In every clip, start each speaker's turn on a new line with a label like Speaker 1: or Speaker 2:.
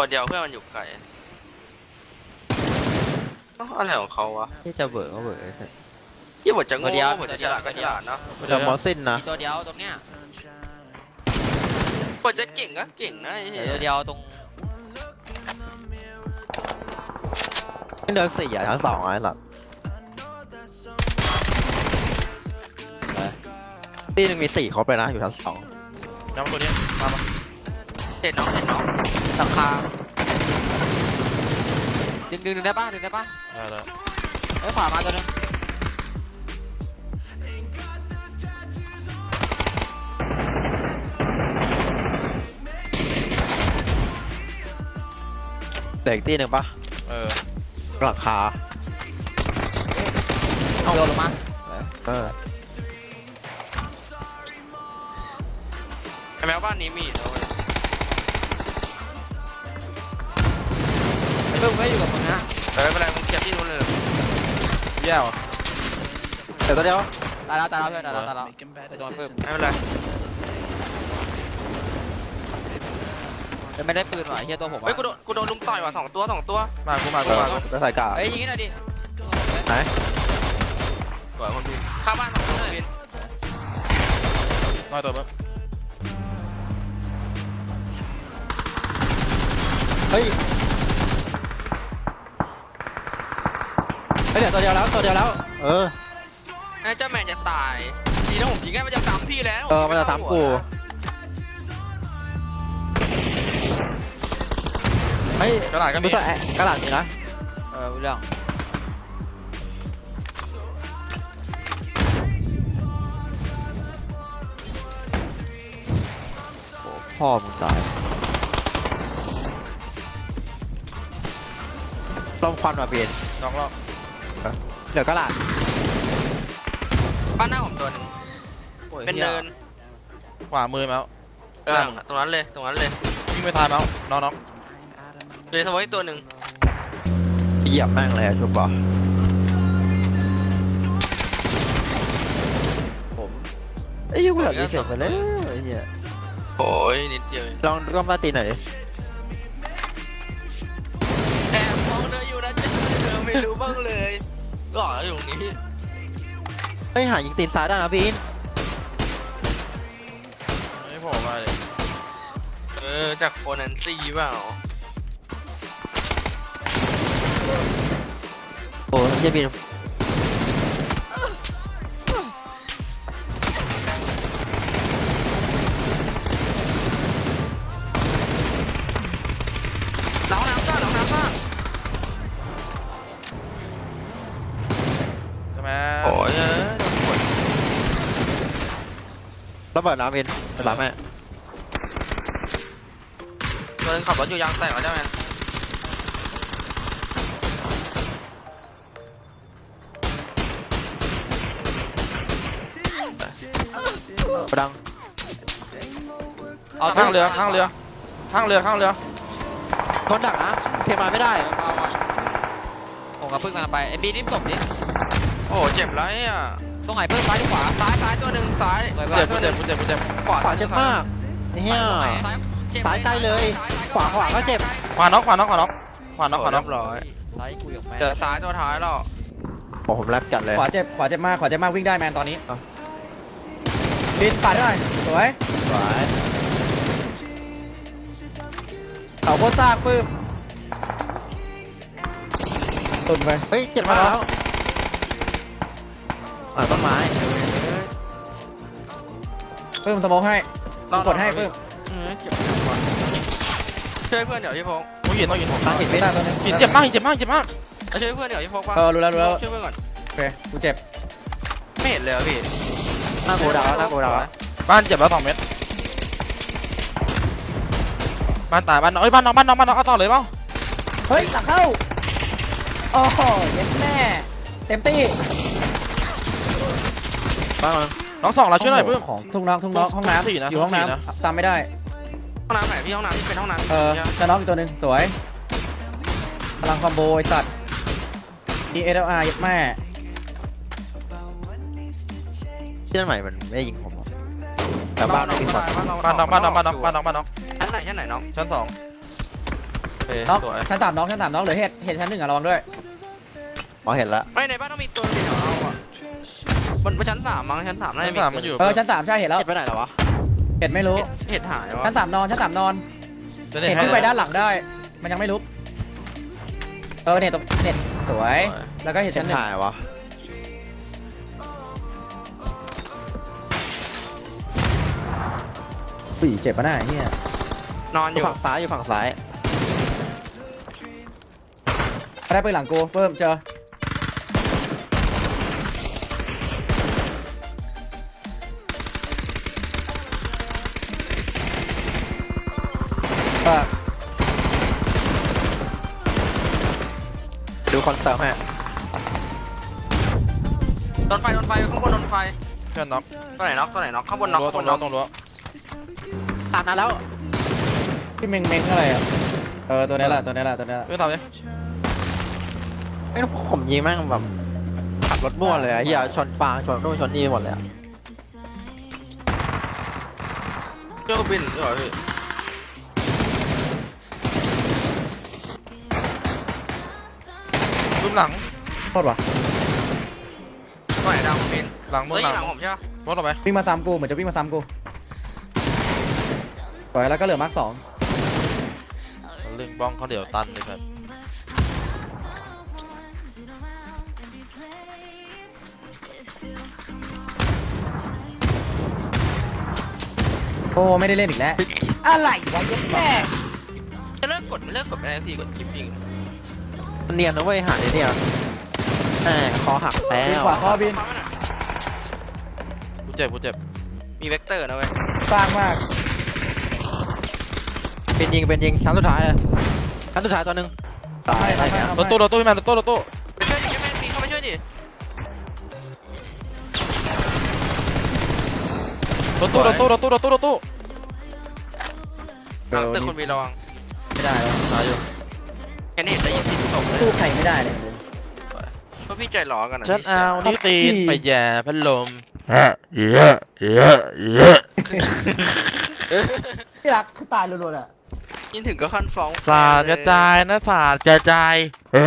Speaker 1: เดียวเพื่อนมันอยู่ไกลอะไรของเขาวะ
Speaker 2: ที่จะเบิกก็เบิกไอ้สัส
Speaker 1: ยี่บทจะโง่
Speaker 2: ตัวเดียว
Speaker 1: บทจะฉลาดก็ฉลาดเนาะ
Speaker 3: แต่มอสซินนะ
Speaker 2: มีตัวเดียวตรงเนี้ย
Speaker 1: บทจะเก่งก็เก่งนะไอ้เหี้ย
Speaker 2: ตัวเดียวตรง
Speaker 3: ไม่เดิน4อ่ะชั้น2ไอ้หลักตีหนึ่งมี4ครบเลยนะอยู่ชั้น2
Speaker 4: ย้ำตัวนี้มาปะ
Speaker 1: เห็นน้อง
Speaker 2: หลังคาดึงได้ป่ะดึงได้ป่ะ
Speaker 4: ได้
Speaker 2: เอ้ยขวามาตัวนึง
Speaker 3: เหลืออีกตีหนึ่งปะ หลังคา
Speaker 2: เอาโยนลงมา
Speaker 3: เออ
Speaker 1: ไอ้แมวบ้านนี้มีแล้วเว้ย
Speaker 2: ไอ้เพิ่งไม่อยู่กับมึงนะ
Speaker 1: ไม่เป็นไรมึงเก็บที่นู้นเลย
Speaker 4: แย่ว
Speaker 3: เดี๋ยวตัวเดียว
Speaker 2: ตายแล้วเพื่อนตายแล้วไปโดนเพิ่ม
Speaker 1: ไม่เป็นไร
Speaker 2: ไม่ได้ปืนว่ะเฮียตัวผม
Speaker 1: เฮ้ยกูโดนลุมต่อยว่ะ2 ตัว
Speaker 4: มากู
Speaker 3: ไปใส่กา
Speaker 2: เฮ้ยยิงให้หน่อยดิ
Speaker 3: ไหน
Speaker 1: สวยคนพินข้าบ้าน2 ตัวพิน
Speaker 4: น้อยตัวเพิ่ม
Speaker 3: เฮ้ยเดี๋ยวตัวเดียวแล้วเออ
Speaker 1: ไอ้เจ้าแมนจะตายดีนะผมยิงแค่มันจะซ้ำพี่แล้ว
Speaker 3: มันจะซ้ำกูเฮ้ย
Speaker 4: กระดาษก็มี
Speaker 3: ไม่ใช่กระดาษมีนะ
Speaker 2: เรื่อง
Speaker 3: พ่อมึงตายลมควันมาเปลี่ยน
Speaker 4: น้องรอบ
Speaker 3: เดี๋ยวกระดาษ
Speaker 1: บ้านหน้าผมตัวนึงเป็นเนิน
Speaker 4: ขวามือแล้ว
Speaker 1: ตรงนั้นเลย
Speaker 4: วิ่งไปทายแล้วน้อง
Speaker 1: อยู่ในสมองอีกตัวหนึ่ง
Speaker 3: เหยียบแม่งเลยชุบป่ะผมไอ้เหี้ยกูอยากรีเซ็ตไปแล้วไอ้เหี้ย
Speaker 1: โอ้ยนิดเดียว
Speaker 3: ลองก็มาตีหน่อยดิ
Speaker 1: แอบมองเธออยู่นะจ๊ะเธอไม่รู้บ้างเลยหล่ออยู่ตรงนี้
Speaker 3: ไม่หายิงตีนซ้ายได้นะพี่อิน
Speaker 4: ไม่โผล่มาเลย
Speaker 1: จากโคนันซี่เปล่า
Speaker 3: โอ้ยเหี้ยบิน
Speaker 1: หลังน้ำซ่า
Speaker 4: ใช่ไหม
Speaker 1: โอ้ย
Speaker 3: ระเบิดน้ำบินไปรับแม่
Speaker 1: ตัวนึงขับรถอยู่ยางแตกแล้วใช่ไหม
Speaker 3: ประดัง
Speaker 2: เอา
Speaker 4: ข้างเรือ
Speaker 3: คนดักนะเคมาไม่ได้
Speaker 2: เอาผมกับพึ่งกันไปไอ้บีนิ่มตบดิ
Speaker 1: โอ้เจ็บไรอ่ะ
Speaker 2: ตรงไหนพึ่งซ้ายหรือขวา
Speaker 1: ซ้ายตัวหนึ่งซ้าย
Speaker 4: เจ็บกูเจ็บ
Speaker 1: ขวา
Speaker 3: ขวาเจ็บมากไอ้เหี้ย ซ้ายใกล้เลย ขวาก็เจ็บ
Speaker 4: ขวาน็อก
Speaker 1: เรียบร้อย
Speaker 2: ซ้ายกูอยู่แม่
Speaker 1: เจอซ้ายตัวท้ายแล้ว
Speaker 3: โอ้ผมแรปจัดเลย
Speaker 5: ขวาเจ็บมากวิ่งได้แมนตอนนี้บินปัดหน่อยสวย
Speaker 3: สวย
Speaker 5: เขาโคตรซากปื้มตุ่นไป
Speaker 3: เฮ้ยเจ็บมาแล้วต้นไม้
Speaker 5: ปื้มสโมองให้กูกดให้ปื้ม
Speaker 1: เจ็บช่วยเพื่อนเดี๋ยวพี่พงษ์
Speaker 4: ต้องยินผม
Speaker 3: ตั้งหินไม่
Speaker 5: ได้
Speaker 3: ได้
Speaker 5: ตัวนึง
Speaker 4: หินเจ็บมาก
Speaker 1: ช่วยเพื่อนเดี๋ยวพี่พงษ์ป่ะ
Speaker 5: รู้แล้ว
Speaker 1: ช่วยเพื่อนก่อน
Speaker 5: โอเคกูเจ็บ
Speaker 1: ไม่เห็นเลยพี่
Speaker 3: หน้าโกดาวหน้าโกดาว
Speaker 4: บ้านเจ็บแล้ว2 เม็ดบ้านตายบ้านน้องเอาต่อเลยเปล่า
Speaker 5: เฮ้ยหลังเข้าโอ้โหเย็ดแม่เต็มตี้
Speaker 3: บ้าง
Speaker 4: น้อง2เราช่วยหน่อยเพิ่ม
Speaker 5: ของทุ่งน้องห้องน้
Speaker 4: สี่นะ
Speaker 5: ำอยู่ห้อง
Speaker 4: สี่นะ
Speaker 5: น้ำตามไม่ได้
Speaker 1: ห้องน้ำไหนพี่ห้องน้ำที่เป็นห้องน้ำ
Speaker 5: จะน้องอีกตัวนึงสวยพลังคอมโบไอสัตว์ DSLR เย็ดแม่
Speaker 3: ที่นั่นใหม่มันไม่ยิงผมแต่บ้านไม่มีคน
Speaker 4: บ้านน้อง
Speaker 1: ชั้นไหนน้อง
Speaker 4: ชั้น2 เอ้ย
Speaker 5: น็อก
Speaker 4: สวย
Speaker 5: ชั้น 3น็อกชั้น 3น็อกเหลือเห็ดชั้น 1อ่ะระวังด้วย
Speaker 3: อ๋อเห็นละ
Speaker 1: ไม่ในบ้านต้องมีตัวเดียวเอาอ่ะมันชั้น 3มั้งชั้น 3น่าจะมี
Speaker 4: ชั้น 3มันอยู่
Speaker 5: ชั้น 3ใช่เห็นแล้ว
Speaker 3: เห็นไปไหนแล้ววะ
Speaker 5: เห็ดไม่รู้
Speaker 1: เห็ดหายวะ
Speaker 5: ชั้น 3นอนชั้น 3นอน
Speaker 4: จะ
Speaker 5: เห็ดขึ้นไปด้านหลังได้ มันยังไม่ลุกเนี่ยตรงเนี่ยสวยแล้วก็เห็ด
Speaker 3: เห็
Speaker 5: ชั้
Speaker 3: น
Speaker 5: น 1
Speaker 3: หายวะ
Speaker 5: อุ้ยเจ็บปะหน้าไอ้เนี่ย
Speaker 1: นอน
Speaker 3: อ
Speaker 1: อยู่ ยู่
Speaker 3: ฝั่งซ้ายอยู่ฝั่งซ้าย
Speaker 5: ได้ปืนหลังกูเพิ่มเจอเออ
Speaker 3: ดูคอนเสิร์ตให้
Speaker 1: โดนไฟข้างบนโดนไฟ
Speaker 4: เพื่อนน็อก
Speaker 1: ตัวไหนน็อกข้างบนน็อก
Speaker 4: ตรงรั้วตรงรั้ว
Speaker 3: ตามนั้นแล้ว
Speaker 5: พี่เม้งอะไรอ่ะตัวนี้แหละตัวนี้แหละตัวนี้แหละ
Speaker 4: เพื่อนทำดิ
Speaker 3: ไอ้ผมยิงแม่งแบบขับรถมั่วเลยอะเฮียชนฟางชนนู่นชนนี่หมดเลยอะ
Speaker 1: เครื่องบินเหรอพี่
Speaker 4: รูปหลัง
Speaker 5: โทษว่ะ
Speaker 1: ตัวไหนดาวบิน
Speaker 4: หลังมึ
Speaker 1: เฮ้
Speaker 4: ง
Speaker 1: ย
Speaker 4: หลัง
Speaker 1: หลังผมใช่ปะ
Speaker 4: รถออกไป
Speaker 5: วิ่งมาซ้ำกูเหมือนจะวิ่งมาซ้ำกูสวยแล้วก็เหลือมาร์ค 2
Speaker 4: เรื่องบ้องเขาเดี๋ยวตันเลยครับ
Speaker 5: โอ้ไม่ได้เล่นอีกแล้วอะไรวะยกแม่
Speaker 1: จะเลิกกดไม่เลิกกดไปแล้วสิกดคลิปยิง
Speaker 3: มันเนียนนะเว้ยหาเนี่ยแหมคอหักแล้ว
Speaker 5: ขวาข้อบิน
Speaker 4: กูเจ็บกูเจ็บ
Speaker 1: มีเวกเตอร์นะเว้ย
Speaker 5: สร้างมาก
Speaker 3: เป็นยิงชั้นสุดท้ายเลยชั้นสุดท้ายตัวหนึงตายอะไรเงี้ย
Speaker 4: รถตู้พี่แมนรถตู้
Speaker 1: ไปช่วยดิแม่ปีเข้าไปช่วยดิ
Speaker 4: รถตู้
Speaker 1: หลังตึกคนมีระวัง
Speaker 5: ไม่ได้แล้ว
Speaker 4: ตายอยู่
Speaker 1: แค่นี้เห็นได้ยินเสียงตกเลย
Speaker 5: สู้ใครไม่ได้เลย
Speaker 1: เพราะพี่ใจร้อนกันนะ
Speaker 4: ฉันเอานิ้วตีนไปแย่พัดลม
Speaker 5: ที่รักคือตายรัวๆอ่ะ
Speaker 1: ยินถึงก็ขั้นฟ้อง
Speaker 4: สาดกระจายนะสาดกระจาย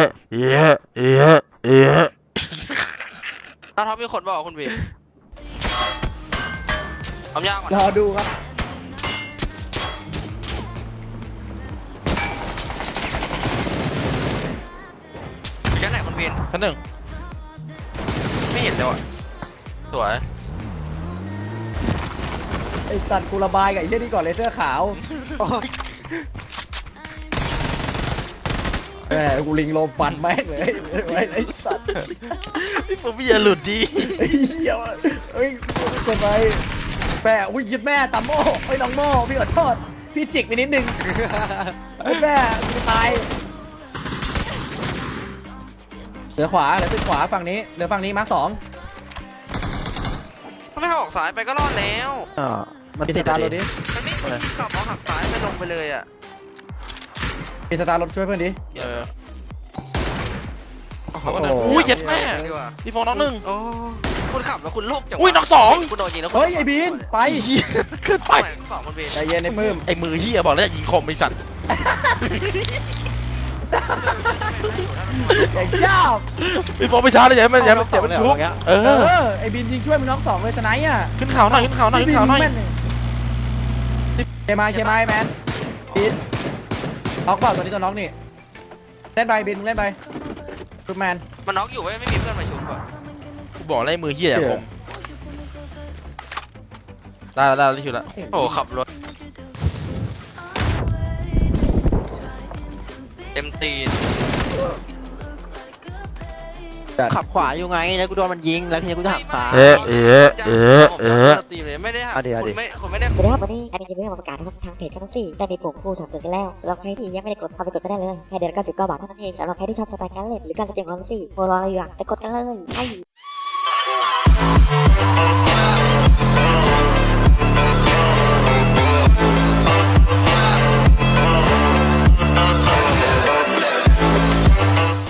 Speaker 1: ตาท็อปมีคนบอกคุณบีทำยากกว่าร
Speaker 5: อดูครับ
Speaker 1: แค่ไหนคุณบีน
Speaker 4: ชั้นหนึ่ง
Speaker 1: ไม่เห็นเลยว่ะ
Speaker 4: สวย
Speaker 5: ไอ้สัตว์กูระบายกับไอ้เหี้ยนี่ก่อนเลยเสื้อขาวแหมกูลิงลมฟันแม่งเลยไอ้สัตว์
Speaker 4: พี่ผมพี่อย่าหลุดดิ
Speaker 5: ไอ้เหี้ยเฮ้ยเกินไปแม่อุ้ยยึดแม่ตามโม่ไอ้น้องโม่พี่ขอโทษพี่จิกไปนิดนึงไอ้แม่กูตายเหลือขวาเหลือตึกขวาฝั่งนี้เหลือฝั่งนี้มาร์ค 2
Speaker 1: ถ้าไม่ออกสายไปก็รอดแล้ว
Speaker 3: มัน
Speaker 5: ปิด
Speaker 3: ติ
Speaker 5: ส
Speaker 3: ด
Speaker 5: ตา
Speaker 3: อะ
Speaker 5: ร์ทรถ
Speaker 3: ดิ
Speaker 5: ดิ
Speaker 1: มันไม่ควรขับเอาหักซ้ายไปลงไปเลยอ่ะ
Speaker 5: ปิดสตาร์ทรถช่วยเพื่อนดิ
Speaker 4: เขาก็เดินอุ้ยเจ็ดแม่
Speaker 1: ดีกว่า
Speaker 4: พี่โฟนน็อกหนึ่ง
Speaker 1: โอ้คุณขับแล้วคุณโลภจังวะ
Speaker 4: อุ้ยน็อกสอง
Speaker 1: คุณโดนยิงแล้วคุณ
Speaker 5: เฮ้ยไอ้บีนไป
Speaker 4: เกินไป
Speaker 1: สองคนบีน
Speaker 5: ใจเย็นไอ้ปื้ม
Speaker 4: ไอ้มือเฮียบอกแล้วยิงคมไอ้สัตว์
Speaker 5: ไอ้เจ้า
Speaker 4: พี่โฟนไปช้าเลยอย่าให้มันชุบเอ
Speaker 5: เอ
Speaker 4: อ
Speaker 5: อไอ้บีนยิงช่วยมึงน้อง 2เลยสไนป์อ่ะ
Speaker 4: ขึ้นเขาหน่อย
Speaker 5: เคมายแมนบีนน็อกเปล่าตัวนี้ตัวน็อกนี่เล่นไปบีนมึงเล่นไปซูแมน
Speaker 1: มันน็อกอยู่เว้ยไม่มีเพื่อนมาชุบอ่ะ
Speaker 4: กูบอกแล้วไอ้มือเฮียอย่าคมได้แล้วรีบแล้ว
Speaker 1: โอ้ขับรถเต็มตีน
Speaker 3: ขับขวาอยู่ไงแล้วกูโดนมันยิงแล้วทีนี้กูจะหักซ้าย
Speaker 1: ตีเลยไม่ได้หัก
Speaker 3: เอาดิ
Speaker 1: คุณไม่ได้
Speaker 6: สวัสดีครับวันนี้แอดมินจะมีมาประกาศนะครับทางเพจทั้ง4ได้มีปุ่มคู่สนับสนุนกันแล้วสำหรับใครที่ยังไม่ได้กดเข้าไปกดก็ได้เลยแค่เดือนละ99 บาทเท่านั้นเองสำหรับใครที่ชอบสไตล์การเล่นหรือการแสดงความรู้สึกโปรรออะไรอยู่อะไปกดกันเลยไป